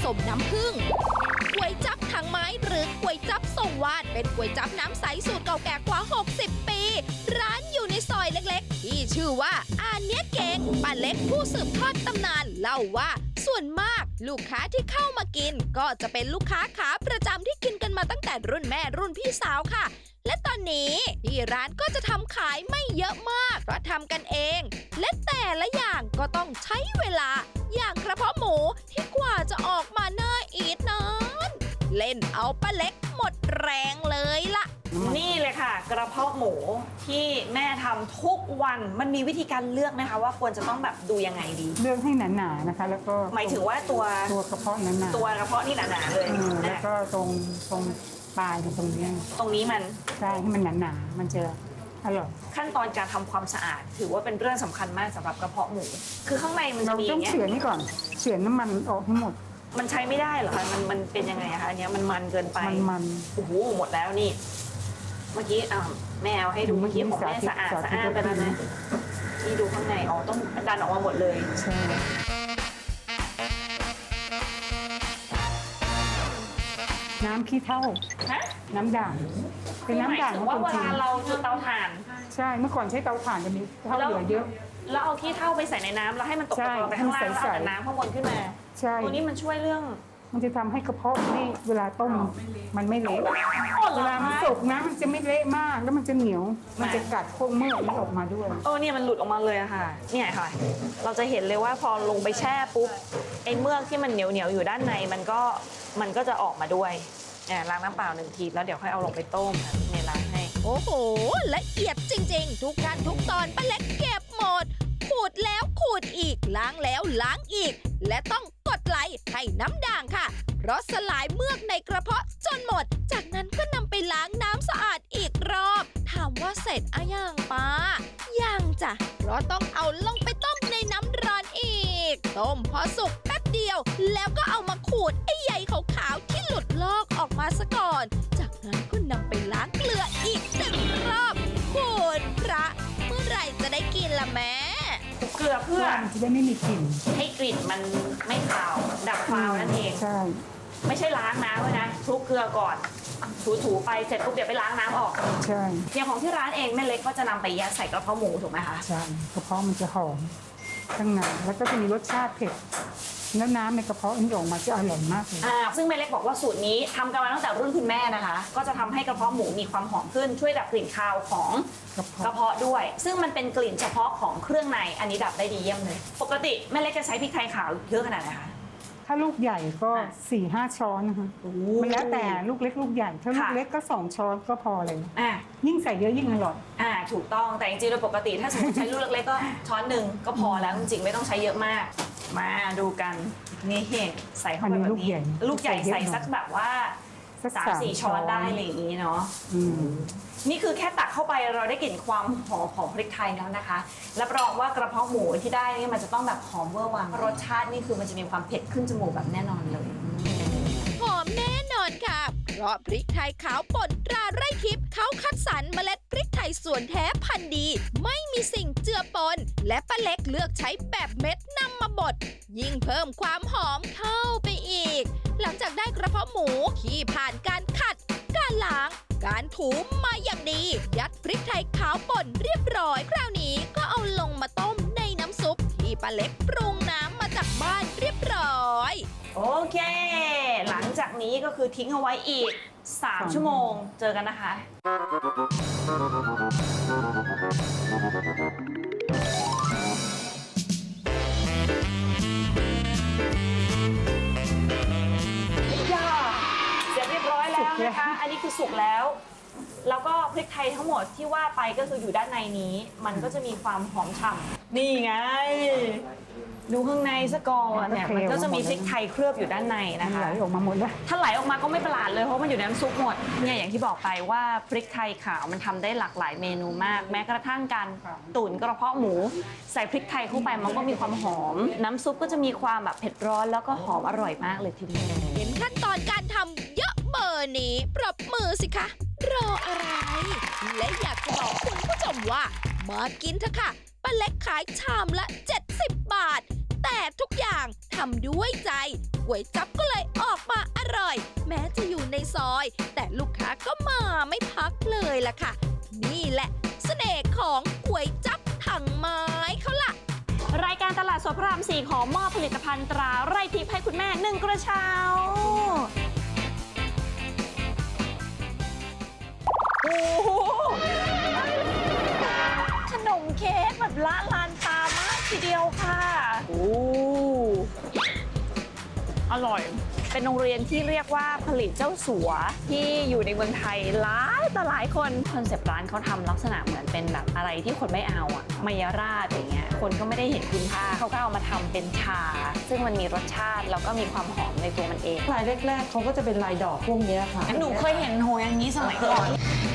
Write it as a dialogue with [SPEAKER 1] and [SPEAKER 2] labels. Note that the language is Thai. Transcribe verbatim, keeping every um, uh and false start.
[SPEAKER 1] สมน้ำผึ้งก๋วยจั๊บถังไม้หรือก๋วยจั๊บส่งวาดเป็นก๋วยจั๊บน้ำใสสูตรเก่าแก่กว่าหกสิบปีร้านอยู่ในซอยเล็กๆที่ชื่อว่าอาเนี้ยเก่งป้าเล็กผู้สืบทอดตำนานเล่าว่าส่วนมากลูกค้าที่เข้ามากินก็จะเป็นลูกค้าขาประจำที่กินกันมาตั้งแต่รุ่นแม่รุ่นพี่สาวค่ะและตอนนี้ที่ร้านก็จะทำขายไม่เยอะมากเพราะทำกันเองและแต่ละอย่างก็ต้องใช้เวลาอย่างกระเพาะหมูที่กว่าจะออกมาน่าอีทนั้นเล่นเอาป้าเล็กหมดแรงเลยล่ะ
[SPEAKER 2] นี่เลยค่ะกระเพาะหมูที่แม่ทำทุกวันมันมีวิธีการเลือกไหมคะว่าควรจะต้องแบบดูยังไงดี
[SPEAKER 3] เลือกให้หนาๆนะคะแล้วก็
[SPEAKER 2] หมายถึงว่าตัว
[SPEAKER 3] ตัวกระเพาะหนาๆ
[SPEAKER 2] ตัวกระเพาะนี่หนาๆเลย
[SPEAKER 3] แล้วก็ตรงตรงปลายตรงนี้
[SPEAKER 2] ตรงนี้มัน
[SPEAKER 3] ใช่ให้มันหนาๆมันจะอร่อย
[SPEAKER 2] ขั้นตอนการทำความสะอาดถือว่าเป็นเรื่องสำคัญมากสำหรับกระเพาะหมูคือข้างในมันจะมีอย่างเงี้ย
[SPEAKER 3] เราต้องเฉือนนี่ก่อนเฉือนน้ำมันออกให้หมด
[SPEAKER 2] มันใช้ไม่ได้เหรอคะมันมันเป็นยังไงคะอันนี้มันมันเกินไป
[SPEAKER 3] มันมัน
[SPEAKER 2] โอ้โหหมดแล้วนี่เมื่อกี้อ่าแม่เอาให้ดูเมื่อกี้ของแม่สะอาดสะอาดไปแล้วนะนี่ดูข้างในอ๋อต้องดันออกมาหมดเลย
[SPEAKER 3] ใช่น้ำขี้เถ้า
[SPEAKER 2] ฮะ
[SPEAKER 3] น้ำด่างเป็นน้ำด่าง
[SPEAKER 2] ว่าเวลาเราจุดเตาถ่าน
[SPEAKER 3] ใช่เมื่อก่อนใช้เตาถ่านจะมีเถ้าเหลือเยอะ
[SPEAKER 2] แล้วเอาขี้เถ้าไปใส่ในน้ำแล้วให้มันตกตะกอนไปข้างล่างแล้วเอาแต่น้ำข้างบนขึ้นมา
[SPEAKER 3] ใช่
[SPEAKER 2] ตัวนี้มันช่วยเรื่อง
[SPEAKER 3] มันจะทำให้กระเพาะนี่เวลาต้มมันไม่เละเวลามันสุกนะมันจะไม่เละมากแล้วมันจะเหนียวมันจะกัดพวกเมือกนี้ออกมาด้วย
[SPEAKER 2] โอ้เนี่ยมันหลุดออกมาเลยอะค่ะเนี่ยค่ะเราจะเห็นเลยว่าพอลงไปแช่ปุ๊บไอ้เมือกที่มันเหนียวเหนียวอยู่ด้านในมันก็มันก็จะออกมาด้วยเนี่ยล้างน้ำเปล่าหนึ่งทีแล้วเดี๋ยวค่อยเอาลงไปต้มเนี่ยล้างให้
[SPEAKER 1] โอ้โหละเอียดจริงๆทุกขั้นทุกตอนป้าเล็กเก็บหมดขูดแล้วขูดอีกล้างแล้วล้างอีกและต้องกดไหลให้น้ำด่างค่ะเพราะสลายเมือกในกระเพาะจนหมดจากนั้นก็นำไปล้างน้ำสะอาดอีกรอบถามว่าเสร็จอะยังป้ายังจ้ะเพราะต้องเอาลงไปต้มในน้ำร้อนอีกต้มพอสุกแป๊บเดียวแล้วก็เอามาขูดไอ้ใยขาวๆที่หลุดลอกออกมาซะก่อนจากนั้นก็นำไปล้างเกลืออีกหนึ่งรอบคุณพระเมื่อไหร่จะได้กินล่ะแม่
[SPEAKER 2] เกลือเพื่อ
[SPEAKER 3] จะได้ไม่มีกลิ่น
[SPEAKER 2] ให้กลิ่นมันไม่คาวดับคาวนั่นเอง
[SPEAKER 3] ใช่
[SPEAKER 2] ไม่ใช่ล้างน้ำเลยนะคลุกเกลือก่อนถูๆไปเสร็จปุ๊บเดี๋ยวไปล้างน้ำออก
[SPEAKER 3] ใช่
[SPEAKER 2] อย่างของที่ร้านเองแม่เล็กก็จะนำไปยัดใส่กระเพาะหมูถูกไหมคะ
[SPEAKER 3] ใช่กระเพาะมันจะหอมข้างในแล้วก็จะมีรสชาติเผ็ดแล้วน้ำในกระเพาะนี่ออกมาจะอร่อยมากเลย
[SPEAKER 2] อ่าซึ่งแม่เล็กบอกว่าสูตรนี้ทำกันมาตั้งแต่รุ่นคุณแม่นะคะก็จะทำให้กระเพาะหมูมีความหอมขึ้นช่วยดับกลิ่นคาวของกระเพาะด้วยซึ่งมันเป็นกลิ่นเฉพาะของเครื่องในอันนี้ดับได้ดีเยี่ยมเลยปกติแม่เล็กจะใช้พริกไทยขาวเยอะขนาดไหนคะ
[SPEAKER 3] ถ้าลูกใหญ่ก็สี่ห้าช้อนนะคะมันแล้วแต่ลูกเล็กลูกใหญ่ถ้าลูกเล็กก็สองช้อนก็พอเลยอ่ายิ่งใส่เยอะยิ่งอร่อย
[SPEAKER 2] อ่าถูกต้องแต่จริงๆโดยปกติถ้าสมมติใช้ลูกเล็กๆก็ช้อนหนึ่งก็พอแล้วจริงๆไม่ต้องใช้เยอะมากมาดูกันนี่เห็นใส่เข้าไปแบบนี้ลูกใหญ่ลูกใหญ่ใส่สักแบบว่าสามสี่ช้อนได้อะไรอย่างนี้เนาะนี่คือแค่ตักเข้าไปเราได้กลิ่นความหอมของพริกไทยแล้วนะคะรับรองว่ากระเพาะหมูที่ได้นี่มันจะต้องแบบหอมเวอร์วังรสชาตินี่คือมันจะมีความเผ็ดขึ้นจมูกแบบแน่นอนเลย
[SPEAKER 1] หอมแน่นอนค่ะเพราะพริกไทยขาวป่นตราไร่ทิพย์เขาคัดสรรเมล็ดพริกไทยส่วนแท้พันธุ์ดีไม่มีสิ่งเจือปนและป้าเล็กเลือกใช้แบบเม็ดนำมาบดยิ่งเพิ่มความหอมเข้าไปอีกหลังจากได้กระเพาะหมูที่ผ่านการขัดการล้างการถูมาอย่างดียัดพริกไทยขาวป่นเรียบร้อยคราวนี้ก็เอาลงมาต้มในน้ำซุปที่ป้าเล็กปรุงน้ำมาจากบ้านเรียบร้อย
[SPEAKER 2] โอเคหลังจากนี้ก็คือทิ้งเอาไว้อีกสามชั่วโมงเจอกันนะคะย่าเสร็จเรียบร้อยแล้วนะคะอันนี้คือสุกแล้วแล้วก็พริกไทยทั้งหมดที่ว่าไปก็คืออยู่ด้านในนี้มันก็จะมีความหอมฉ่ำนี่ไงดูข้างในซะก่อนเนี่ยมันก็จะมีพริกไทยเคลือบอยู่ด้านในนะคะ
[SPEAKER 3] ไหลออกมาหมดเลย
[SPEAKER 2] ถ้าไหลออกมาก็ไม่ประหลาดเลยเพราะมันอยู่ในน้ำซุปหมดเนี่ยอย่างที่บอกไปว่าพริกไทยขาวมันทำได้หลากหลายเมนูมากแม้กระทั่งการตุ๋นกระเพาะหมูใส่พริกไทยเข้าไปมันก็มีความหอมน้ำซุปก็จะมีความแบบเผ็ดร้อนแล้วก็หอมอร่อยมากเลยทีเดียว
[SPEAKER 1] เห็นขั้นตอนการทำเยอะเบอร์นี้ปรบมือสิคะรออะไรและอยากจะบอกคุณผู้ชมว่ามากินเถอะค่ะป้าเล็กขายชามละเจ็ดสิบบาทแต่ทุกอย่างทำด้วยใจก๋วยจั๊บก็เลยออกมาอร่อย แม้จะอยู่ในซอย แต่ลูกค้าก็มาไม่พักเลยล่ะค่ะ นี่แหละเสน่ห์ของก๋วยจั๊บถังไม้เขาล่ะ
[SPEAKER 2] รายการตลาดสดพระรามสี่ขอมอบผลิตภัณฑ์ตราไร่ทิพย์ให้คุณแม่หนึ่งกระเช้าโอ้โหขนมเค้กแบบละลานตามากทีเดียวค่ะโอ้อร่อย เป็นโรงเรียนที่เรียกว่าผลิตเจ้าสัวที่อยู่ในเมืองไทยหลายต่อหลายคนคอนเซปต์ร้านเขาทำลักษณะเหมือนเป็นแบบอะไรที่คนไม่เอาอะมายราดอย่างเงี้ยคนก็ไม่ได้เห็นคุณค่าเขาก็เอามาทำเป็นชา ซึ่งมันมีรสชาติแล้วก็มีความหอมในตัวมันเอง
[SPEAKER 4] ลายแรกๆเขาก็จะเป็นลายดอกพวกนี้ค่ะ
[SPEAKER 2] หนูเคยเห็นโหอย่างนี้สมัยก่อน